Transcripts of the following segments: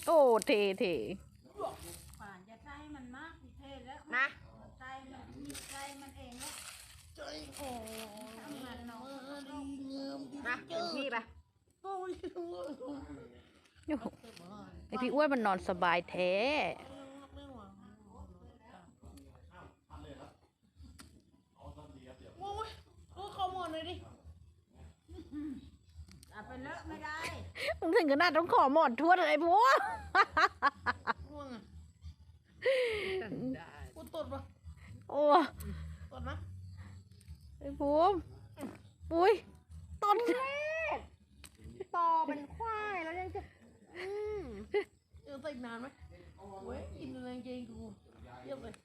โอ้เทป่านจะใส่มันมากเทแล้วนะใส่มันเองแล้วใจโอ้ทำมันเนาะดีเงิมดีนะเต็มที่ไปโอ้ยโอ้โหไอพี่อ้วนมันนอนสบายแท้ไม่หวังโอ้ยเข้าหมดเลยดิเอาไปเลอะไม่ได้มึงถึงขนาดต้องขอหมอนทวดเลยพวกง่วงอ่ะกูตดปะโอ้ตดนะไอ้ภูมิปุ้ยต้นเล็กต่อเป็นควายแล้วยังจะใส่นานไหมเว้ยกินแรงเกงกูเยี่ยมเลย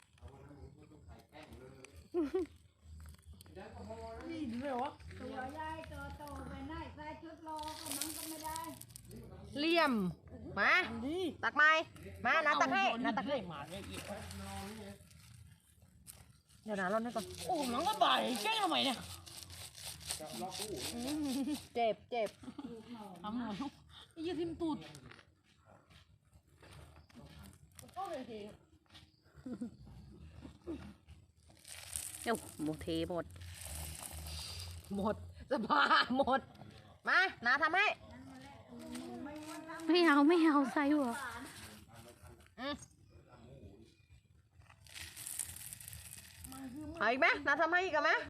นี่ดีเลยวะตัวใหญ่ตัวโตไปไหนใส่ชุดรอก็มันก็ไม่ได้เหลี่ยมมาดีตักไม้มานะตักให้นะตักให้หมาเนี่ยอีกเดี๋ยวนะรอดให้ก่อนโอ้มันก็บ่ายแกล้งทำไมเนี่ยเจ็บเจ็บทำหน่อยไอ้ยี่ทิมตูดก็เลยทีเดี๋ยวหมดเทหมดสภาพหมดมานะทำให้ไม่เอาใส่หัวเอาอีกไหมนะทำให้อีกไหม